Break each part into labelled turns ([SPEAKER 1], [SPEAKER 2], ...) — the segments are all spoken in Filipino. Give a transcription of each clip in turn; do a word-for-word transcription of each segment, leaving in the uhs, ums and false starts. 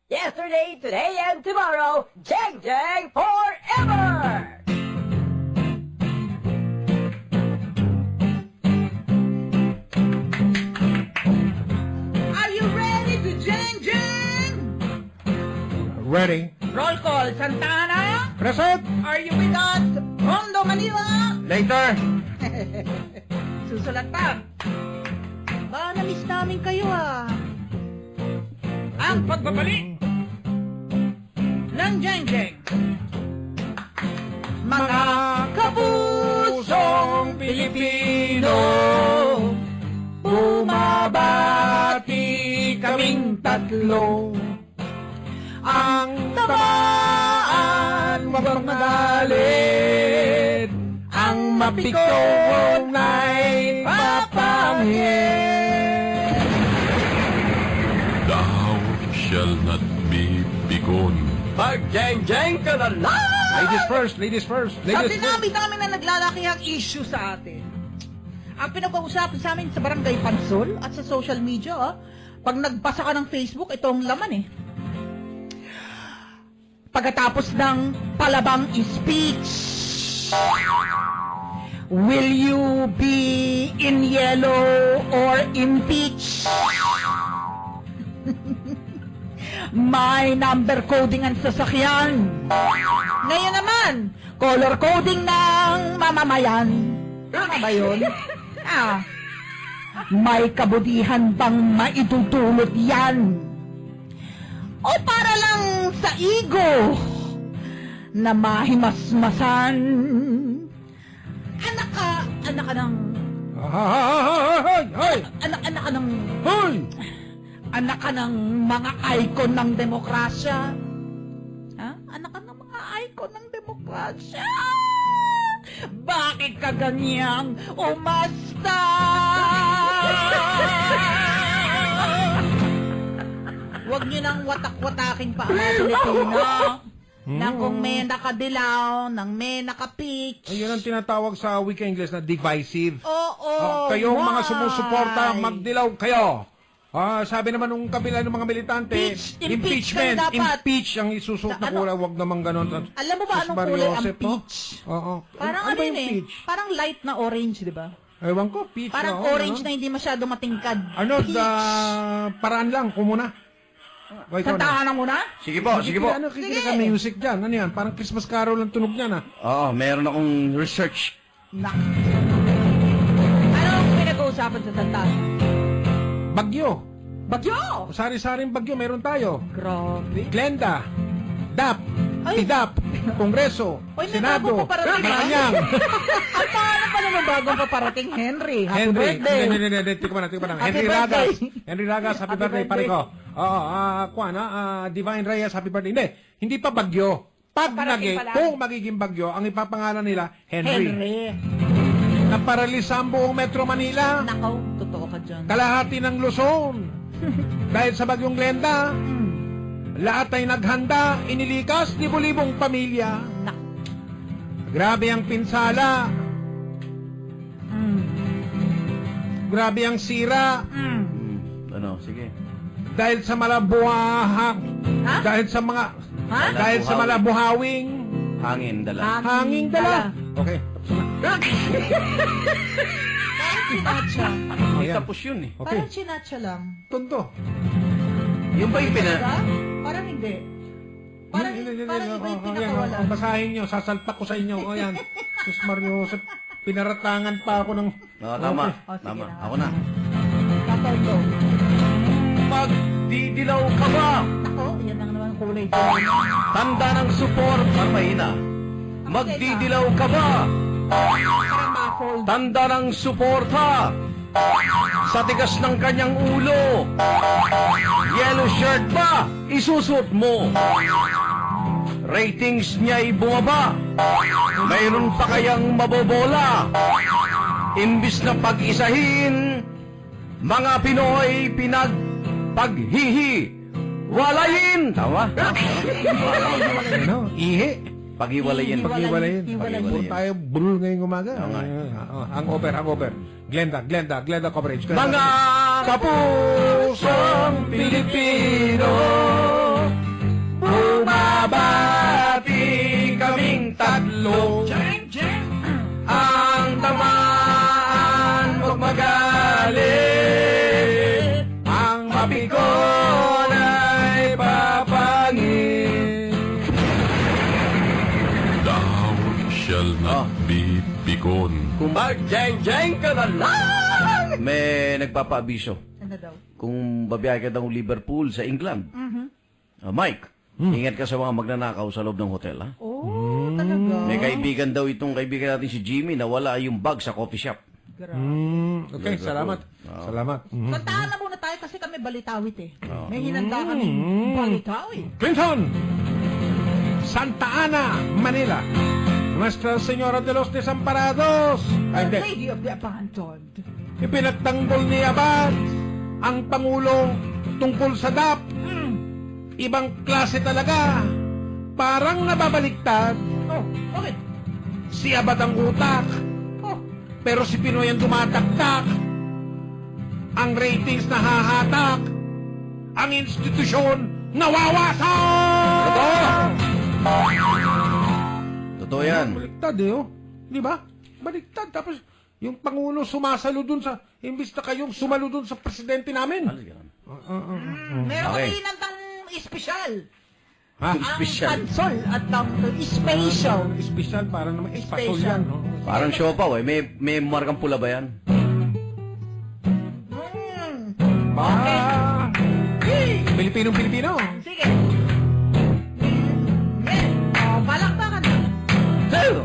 [SPEAKER 1] Yesterday, today, and tomorrow, Jang Jang forever!
[SPEAKER 2] Are you ready to Jang Jang?
[SPEAKER 3] Ready.
[SPEAKER 2] Roll call, Santana.
[SPEAKER 3] Present.
[SPEAKER 2] Are you with us? Rondo, Manila.
[SPEAKER 3] Later.
[SPEAKER 2] Susulat pa. Ba, na-miss namin kayo ah. Ang pagbabalik ng Jang Jang. Mga kapusong Pilipino, bumabati kaming tatlo.
[SPEAKER 3] Ang tamaan, wag magalit. Ang mapikon ay papangit.
[SPEAKER 4] Thou shall not be begone.
[SPEAKER 1] Mag-jang-jang ka na lang!
[SPEAKER 3] Ladies first, ladies first,
[SPEAKER 2] Sa
[SPEAKER 3] ladies first.
[SPEAKER 2] dinami-dami na naglalaki ang issue sa atin. Ang pinag-uusapan sa amin sa Barangay Pansol at sa social media, ah, pag nagbasa ka ng Facebook, ito ang laman eh. Pagkatapos ng palabang speech, will you be in yellow or impeach? May number coding ang sasakyan. Ngayon naman, color coding ng mamamayan. Tama ba yun? Ah, may kabudihan bang maitutulot yan? O para lang sa ego na mahimasmasan? Anak ka, anak ka ng...
[SPEAKER 3] Hoy! Hoy!
[SPEAKER 2] Anak, anak ka ng...
[SPEAKER 3] Hoy!
[SPEAKER 2] Anak ka ng mga icon ng demokrasya. Ha? Anak ka ng mga icon ng demokrasya. Bakit ka ganyang umasta? Huwag niyo nang watak-watakin pa ang mga Pilipino. Nang kung may nakadilaw, nang may nakapeach.
[SPEAKER 3] Ayun ang tinatawag sa wika English na divisive.
[SPEAKER 2] Oo.
[SPEAKER 3] Ah, kayong mga
[SPEAKER 2] why?
[SPEAKER 3] sumusuporta, magdilaw kayo. Ah, sabi naman nung kabila ng mga militante,
[SPEAKER 2] Peach, impeach
[SPEAKER 3] impeachment,
[SPEAKER 2] kayo dapat.
[SPEAKER 3] impeach ang isusuot na
[SPEAKER 2] Na ano?
[SPEAKER 3] kulay, wag naman ganon.
[SPEAKER 2] Alam mo ba
[SPEAKER 3] Sus
[SPEAKER 2] anong
[SPEAKER 3] Mario
[SPEAKER 2] kulay ang
[SPEAKER 3] Joseph, no?
[SPEAKER 2] peach?
[SPEAKER 3] Oo.
[SPEAKER 2] Parang
[SPEAKER 3] ano
[SPEAKER 2] ano
[SPEAKER 3] ba
[SPEAKER 2] yun
[SPEAKER 3] yung
[SPEAKER 2] eh?
[SPEAKER 3] peach?
[SPEAKER 2] Parang light na orange, di ba?
[SPEAKER 3] Ewan ko, peach.
[SPEAKER 2] Parang
[SPEAKER 3] oo,
[SPEAKER 2] orange
[SPEAKER 3] ano?
[SPEAKER 2] na hindi masyado matingkad.
[SPEAKER 3] Ano, da, paraan lang, kumuna. O, ikaw na.
[SPEAKER 2] Santahan na muna?
[SPEAKER 5] Sige po, sige po.
[SPEAKER 3] Ano, kikinig
[SPEAKER 2] Sige.
[SPEAKER 3] ka music dyan. Ano yan? Parang Christmas carol ang tunog niyan, ah.
[SPEAKER 5] Oo, meron akong research.
[SPEAKER 2] Nak. Anong pinag-uusapan sa Santahan?
[SPEAKER 3] Bagyo.
[SPEAKER 2] Bagyo!
[SPEAKER 3] Sari-saring bagyo, meron tayo.
[SPEAKER 2] Grabe.
[SPEAKER 3] Glenda. D A P.
[SPEAKER 2] Ay.
[SPEAKER 3] T D A P. Kongreso.
[SPEAKER 2] Oy, may
[SPEAKER 3] Senado.
[SPEAKER 2] bago pa parating, ha?
[SPEAKER 3] Malacanang.
[SPEAKER 2] At paano pa naman bagong paparating, Henry? Happy
[SPEAKER 3] Henry.
[SPEAKER 2] birthday!
[SPEAKER 3] Hindi, hindi, hindi. Tika pa na, tika pa na.
[SPEAKER 2] Happy
[SPEAKER 3] Henry
[SPEAKER 2] birthday.
[SPEAKER 3] Ragas. Henry Ragas, happy,
[SPEAKER 2] Happy
[SPEAKER 3] birthday, pare
[SPEAKER 2] birthday.
[SPEAKER 3] ko. Oo, ah, kuwan, ah, Divine Reyes, happy birthday. Hindi, hindi pa bagyo. Pag
[SPEAKER 2] Paparating
[SPEAKER 3] naging,
[SPEAKER 2] pa lang.
[SPEAKER 3] kung magiging bagyo, ang ipapangalan nila, Henry.
[SPEAKER 2] Henry.
[SPEAKER 3] Naparalisa ang buong Metro Manila.
[SPEAKER 2] Nakaw, totoo ka dyan.
[SPEAKER 3] Kalahati ng Luzon. Dahil sa bagyong Glenda, lahat ay naghanda, inilikas libo-libong pamilya.
[SPEAKER 2] Nak.
[SPEAKER 3] Grabe ang pinsala,
[SPEAKER 2] Mm.
[SPEAKER 3] grabe ang sira,
[SPEAKER 2] Mm.
[SPEAKER 5] Hmm, ano, sige.
[SPEAKER 3] dahil sa malabuhang,
[SPEAKER 2] Ha?
[SPEAKER 3] dahil sa mga,
[SPEAKER 2] Ha?
[SPEAKER 3] dahil sa malabuhawing,
[SPEAKER 5] Hangin, dala.
[SPEAKER 3] hanging dala. Okay, tapos na.
[SPEAKER 2] Chinatsa.
[SPEAKER 5] Hindi
[SPEAKER 3] Ayan.
[SPEAKER 5] tapos yun eh.
[SPEAKER 3] Okay,
[SPEAKER 2] Parang chinatsa lang.
[SPEAKER 3] tonto.
[SPEAKER 5] Yung ba yung pina...
[SPEAKER 2] Diba? Parang hindi. Parang,
[SPEAKER 3] Hindi, hindi, hindi,
[SPEAKER 2] parang
[SPEAKER 3] hindi.
[SPEAKER 2] iba yung
[SPEAKER 3] Oh, ayan,
[SPEAKER 2] pinakawalan.
[SPEAKER 3] oh, basahin nyo, sasalpak ko sa inyo. O yan, Sus Mario Joseph, pinaratangan pa ako ng...
[SPEAKER 5] Oo, tama.
[SPEAKER 2] Oh, sige
[SPEAKER 5] Tama.
[SPEAKER 2] na.
[SPEAKER 5] Ako na.
[SPEAKER 2] Tataw ko.
[SPEAKER 5] Magdidilaw ka ba?
[SPEAKER 2] Ako, yan lang naman ang kulay.
[SPEAKER 5] Tanda ng support. Parang mahina. Magdidilaw ka ba?
[SPEAKER 2] Parang muffled.
[SPEAKER 5] Tanda ng suporta. Sa tigas ng kanyang ulo. Yellow shirt ba? Isusot mo. Ratings niya'y bumaba. Mayroon pa kayang mabobola. Imbis na pag-isahin, mga Pinoy pinagpaghihi. Walayin! Tama?
[SPEAKER 3] Ano? Ihi.
[SPEAKER 5] Paghiwalayin.
[SPEAKER 3] Pag-iwalayin.
[SPEAKER 2] Hiwalayin.
[SPEAKER 3] Puro tayo bulol ngayong umaga.
[SPEAKER 5] Oo nga eh.
[SPEAKER 3] Ah, ah, ang over, ang over. Glenda, Glenda, Glenda coverage. Glenda.
[SPEAKER 5] Mga kapusong Pilipino,
[SPEAKER 4] pikon.
[SPEAKER 5] Kung
[SPEAKER 1] Mag-jeng-jeng ka na lang!
[SPEAKER 5] may nagpapaabiso,
[SPEAKER 2] Ano daw?
[SPEAKER 5] kung babiyahe ka daw Liverpool sa England,
[SPEAKER 2] Mhm.
[SPEAKER 5] Ah, Mike, ingat ka sa mga magnanakaw sa loob ng hotel, ha?
[SPEAKER 2] Oh, talaga?
[SPEAKER 5] May kaibigan daw itong kaibigan natin si Jimmy na wala yung bag sa coffee shop.
[SPEAKER 2] Grabe.
[SPEAKER 3] Hmm, okay, salamat.
[SPEAKER 5] Oo.
[SPEAKER 3] Salamat. Mhm.
[SPEAKER 2] Kantahan na muna tayo kasi kami balitawit eh. May hinanda kami balitawit.
[SPEAKER 3] Clinton! Santa Ana, Manila. Nuestra Señora de los Desamparados. Ay,
[SPEAKER 2] The
[SPEAKER 3] hindi.
[SPEAKER 2] Lady of the Abandoned.
[SPEAKER 3] Ipinagtanggol ni Abad ang Pangulo tungkol sa D A P.
[SPEAKER 2] Mm.
[SPEAKER 3] Ibang klase talaga. Parang nababaliktad.
[SPEAKER 2] Oh, okay.
[SPEAKER 3] Si Abad ang utak.
[SPEAKER 2] Oh,
[SPEAKER 3] Pero si Pinoy ang tumataktak. Ang ratings nahahatak. Ang institusyon nawawasak!
[SPEAKER 5] Totoo yan.
[SPEAKER 3] Baliktad eh, oh. Di ba? Baliktad. Tapos, yung Pangulo sumasalo dun sa, imbis na kayong sumalo dun sa presidente namin.
[SPEAKER 5] Ano yan?
[SPEAKER 3] Uh, uh, uh, uh.
[SPEAKER 2] meron
[SPEAKER 5] Okay.
[SPEAKER 2] kami hinandang espesyal.
[SPEAKER 3] Ha?
[SPEAKER 2] Ang
[SPEAKER 5] Espesyal.
[SPEAKER 2] pansol at ang special.
[SPEAKER 3] Espesyal para naman espasol
[SPEAKER 2] Special.
[SPEAKER 3] yan. No?
[SPEAKER 5] Parang siopaw eh. May, may markang pula ba yan?
[SPEAKER 2] Mm.
[SPEAKER 3] Ah, Pilipinong-Pilipino.
[SPEAKER 2] Sige. Yes. Oh, palakpakan na.
[SPEAKER 5] Sa'yo!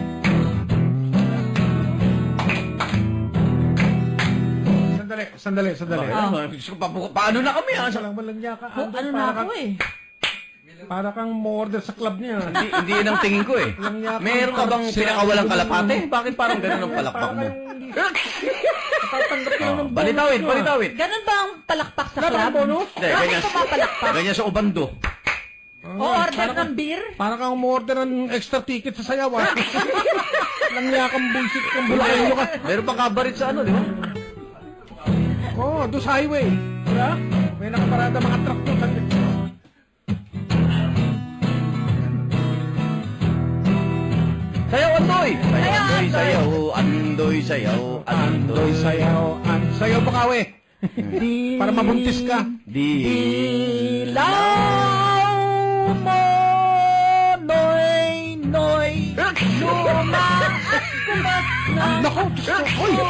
[SPEAKER 3] Sandali, sandali, sandali.
[SPEAKER 5] Bakit? Ano? Diyos ko, pa- paano na kami ha?
[SPEAKER 3] Sa lang walang niya ka.
[SPEAKER 2] Oh, ano na ako eh.
[SPEAKER 3] Para kang mo-order sa club niya.
[SPEAKER 5] Hindi, hindi yun ang tingin ko eh.
[SPEAKER 3] Walang niya ka.
[SPEAKER 5] Meron ka bang pinakawalang kalapate? Bakit parang ganun ang palakpak mo?
[SPEAKER 3] Tatanggap ka
[SPEAKER 5] Oh,
[SPEAKER 3] ng bonus
[SPEAKER 5] balitawit,
[SPEAKER 3] mo, ah.
[SPEAKER 5] balitawit.
[SPEAKER 2] Ganun ba ang palakpak sa
[SPEAKER 3] Wala bang
[SPEAKER 2] club?
[SPEAKER 3] bonus?
[SPEAKER 5] Hindi,
[SPEAKER 2] Bakit
[SPEAKER 5] ganyan,
[SPEAKER 2] pumapalakpak?
[SPEAKER 5] ganyan sa ubando.
[SPEAKER 2] O order ng beer?
[SPEAKER 3] Para kang mo-order ng extra ticket sa sayaw, ah. Walang niya kang bullshit kang bulakenyo ka.
[SPEAKER 5] Meron pang kabarit sa ano, di ba?
[SPEAKER 3] Oo, oh, doon sa highway. Diba? May nakaparada mga truck doon. sa-
[SPEAKER 5] Sayaw, Andoy! Sayaw,
[SPEAKER 2] Sayaw,
[SPEAKER 5] Andoy,
[SPEAKER 2] Andoy.
[SPEAKER 5] sayaw, Andoy, sayaw,
[SPEAKER 3] Andoy,
[SPEAKER 5] Andoy,
[SPEAKER 3] sayaw. An sayaw bakawe. Para mabuntis ka.
[SPEAKER 5] Di...
[SPEAKER 2] Ilaw mo, noy, noy, luma at kumat na.
[SPEAKER 3] Nako, Diyos ko. Uy!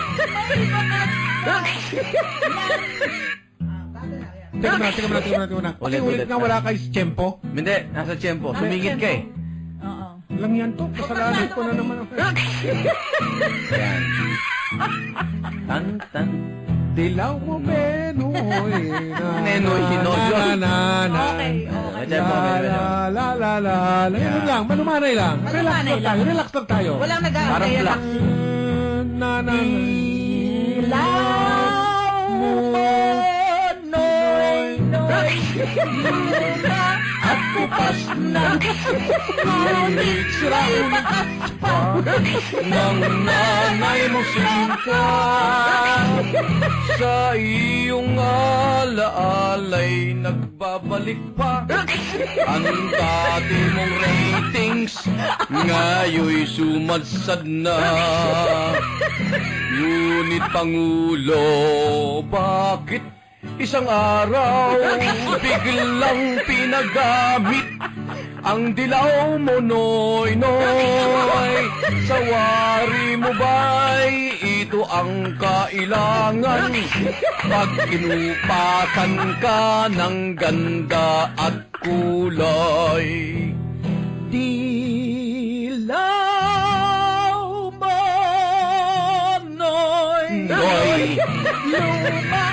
[SPEAKER 3] Teka na, teka na, teka na, teka na.
[SPEAKER 5] Ulit,
[SPEAKER 3] Ulit,
[SPEAKER 5] ulit.
[SPEAKER 3] nga wala kay Tiyempo.
[SPEAKER 5] Hindi, nasa tiyempo. Sumingit ka eh.
[SPEAKER 2] Oo.
[SPEAKER 3] Lang yan to. Kasalanan ko na naman ako.
[SPEAKER 5] Yan. Tan, tan.
[SPEAKER 3] Dilaw mo, Benoy. Na,
[SPEAKER 5] Nenoy, Hinoyo.
[SPEAKER 3] Na, na, na.
[SPEAKER 2] Okay, okay.
[SPEAKER 5] May tiyempo, may
[SPEAKER 3] La,
[SPEAKER 5] tiyempo.
[SPEAKER 3] la, la, la, la. Yun lang, manumanay lang. Relax
[SPEAKER 2] Manumanay
[SPEAKER 3] lang
[SPEAKER 2] lang.
[SPEAKER 3] tayo, relax lang tayo.
[SPEAKER 2] Walang
[SPEAKER 5] Parang
[SPEAKER 2] nag-aantay
[SPEAKER 5] black.
[SPEAKER 2] ng
[SPEAKER 3] Na, na, na.
[SPEAKER 2] ilaw mo, noy, noy, luma at kupas na. Ngunit may bakas pa.
[SPEAKER 5] Nang nanay mo sinta sa iyong alaalay nagbabalik pa ang dati mong ratings ngayoy sumadsad na. Ngunit Pangulo, bakit isang araw biglang pinagamit ang dilaw mo, noy, noy? Sa wari mo ba'y ito ang kailangan? Pag inupatan ka ng ganda at kulay.
[SPEAKER 2] Dilaw mo, noy,
[SPEAKER 5] Noy!
[SPEAKER 2] luma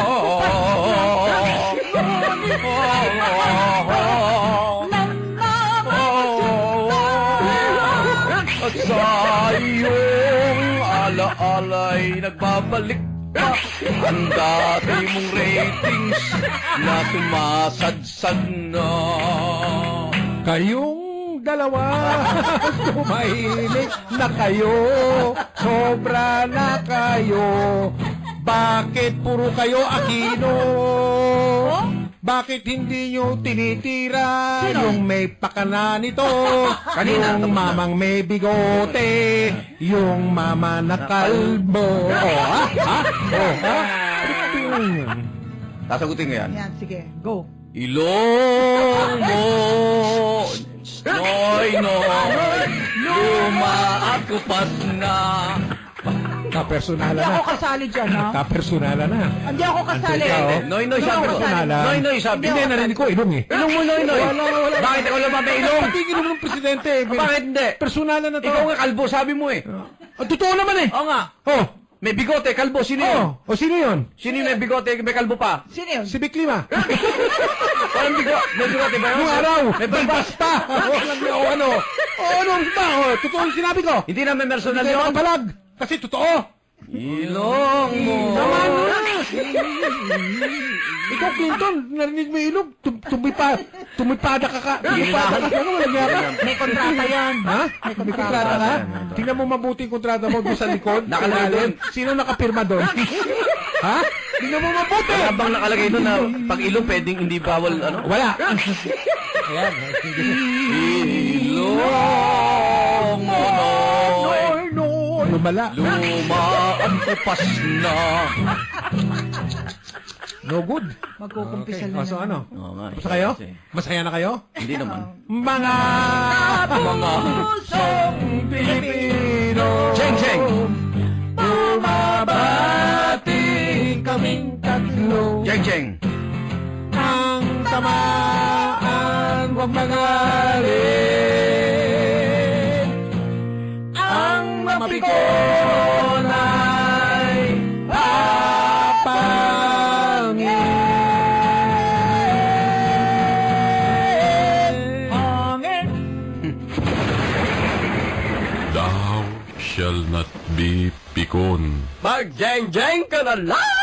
[SPEAKER 5] At sa iyong alaalay nagbabalik pa ang dati mong ratings na sumasadsad na.
[SPEAKER 3] Kayong dalawa, tumahimik na kayo, sobra na kayo. Bakit puro kayo Aquino? Bakit hindi nyo tinitira yung may pakana nito?
[SPEAKER 5] Kanina,
[SPEAKER 3] Yung
[SPEAKER 5] tapos na.
[SPEAKER 3] mamang may bigote, yung mama na kalbo. Oh, ha? Ha? Oh, ha?
[SPEAKER 5] Sasagutin ko yan.
[SPEAKER 2] Yan, sige, go.
[SPEAKER 5] Ilong mo, noy, noy, luma at kupas na.
[SPEAKER 3] Kapersonalan
[SPEAKER 2] Hindi
[SPEAKER 3] na.
[SPEAKER 2] ako kasali dyan, ha?
[SPEAKER 3] Kapersonalan na.
[SPEAKER 2] Hindi ako kasali.
[SPEAKER 3] Ikaw?
[SPEAKER 5] Noy, Noy,
[SPEAKER 2] Hindi
[SPEAKER 5] sabi
[SPEAKER 2] ako
[SPEAKER 5] ko.
[SPEAKER 2] kasali.
[SPEAKER 3] Personalan.
[SPEAKER 5] Noy, Noy, sabi
[SPEAKER 3] Hindi,
[SPEAKER 5] ko.
[SPEAKER 3] narinig ko, ilong eh.
[SPEAKER 5] Ilong mo, Noy, Noy.
[SPEAKER 3] Wala, wala.
[SPEAKER 5] Bakit ikaw lang ba may ilong?
[SPEAKER 3] Patigil mo ng presidente. eh.
[SPEAKER 5] Bakit hindi?
[SPEAKER 3] Personalan na to.
[SPEAKER 5] Ikaw nga kalbo, sabi mo eh.
[SPEAKER 3] Ah, totoo naman eh.
[SPEAKER 5] Oo nga.
[SPEAKER 3] Oh,
[SPEAKER 5] May bigote, kalbo, sino yun?
[SPEAKER 3] oh. O sino yun?
[SPEAKER 5] Sino yung may bigote, may kalbo pa?
[SPEAKER 2] Sino yun?
[SPEAKER 3] Si Vic Lima.
[SPEAKER 5] Walang bigote, may bigote ba yun?
[SPEAKER 3] Yung araw.
[SPEAKER 5] May balbas.
[SPEAKER 3] Basta. Walang o ano. O ano ba? O, totoo yung sinabi ko.
[SPEAKER 5] Hindi na may personal
[SPEAKER 3] Hindi
[SPEAKER 5] yun?
[SPEAKER 3] makapalag. Kasi totoo.
[SPEAKER 5] Ilong mo.
[SPEAKER 3] Naman na. Ikaw, Clinton, narinig mo yung ilog. Tum tumipa, tumipada ka ka. Tumipada ka ka. Ano, walang yaka.
[SPEAKER 2] May kontrata yan.
[SPEAKER 3] Ha? May kontrata ka? Tingnan mo mabuti yung kontrata mo doon sa likod.
[SPEAKER 5] Nakalagay doon.
[SPEAKER 3] Sino nakapirma doon? Ha? Tingnan mo mabuti.
[SPEAKER 5] Wala bang nakalagay doon na pag ilong pwedeng hindi bawal ano?
[SPEAKER 3] Wala.
[SPEAKER 5] Ayan. Ilong mo, Noy.
[SPEAKER 3] no. Lumala.
[SPEAKER 5] Luma ang kupas na.
[SPEAKER 3] No good.
[SPEAKER 2] Magkukumpisal
[SPEAKER 3] Okay.
[SPEAKER 2] na
[SPEAKER 3] O, so
[SPEAKER 2] naman.
[SPEAKER 3] ano?
[SPEAKER 5] Oo nga.
[SPEAKER 3] Basta kayo?
[SPEAKER 5] Kasi
[SPEAKER 3] Masaya na kayo?
[SPEAKER 5] Hindi naman.
[SPEAKER 3] Mga
[SPEAKER 5] Mga
[SPEAKER 3] pusong Pilipino.
[SPEAKER 5] Cheng, cheng.
[SPEAKER 3] Bumabati kaming tatlo.
[SPEAKER 5] Jeng, jeng.
[SPEAKER 3] Ang tamaan, huwag magalit. Ang mapikon ay papangin.
[SPEAKER 2] Hangin.
[SPEAKER 4] Thou shall not be pikon.
[SPEAKER 1] Mag-jeng-jeng ka na lang!